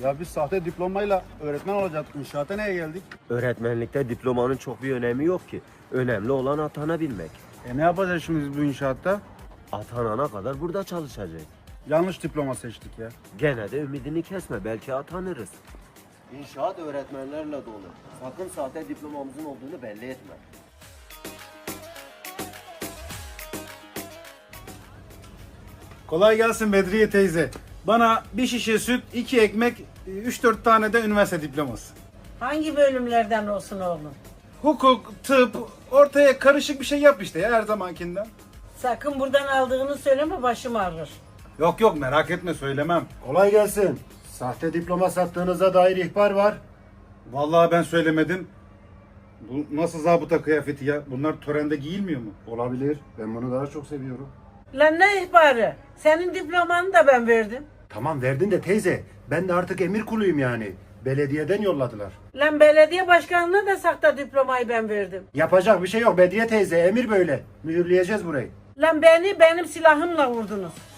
Ya biz sahte diplomayla öğretmen olacaktık. İnşaata neye geldik? Öğretmenlikte diplomanın çok bir önemi yok ki. Önemli olan atanabilmek. Ne yapacağız şimdi biz bu inşaatta? Atanana kadar burada çalışacak. Yanlış diploma seçtik ya. Gene de ümidini kesme, belki atanırız. İnşaat öğretmenlerle dolu. Sakın sahte diplomamızın olduğunu belli etme. Kolay gelsin Bedriye teyze. Bana bir şişe süt, 2 ekmek, 3-4 tane de üniversite diploması. Hangi bölümlerden olsun oğlum? Hukuk, tıp, ortaya karışık bir şey yap işte ya her zamankinden. Sakın buradan aldığını söyleme, başım ağrır. Yok merak etme söylemem. Kolay gelsin. Sahte diploma sattığınıza dair ihbar var. Vallahi ben söylemedim. Bu nasıl zabıta kıyafeti ya? Bunlar törende giyilmiyor mu? Olabilir. Ben bunu daha çok seviyorum. Lan ne ihbarı? Senin diplomanı da ben verdim. Tamam verdin de teyze. Ben de artık emir kuluyum yani. Belediyeden yolladılar. Lan belediye başkanına da sahte diplomayı ben verdim. Yapacak bir şey yok Bediye teyze. Emir böyle. Mühürleyeceğiz burayı. Lan beni benim silahımla vurdunuz.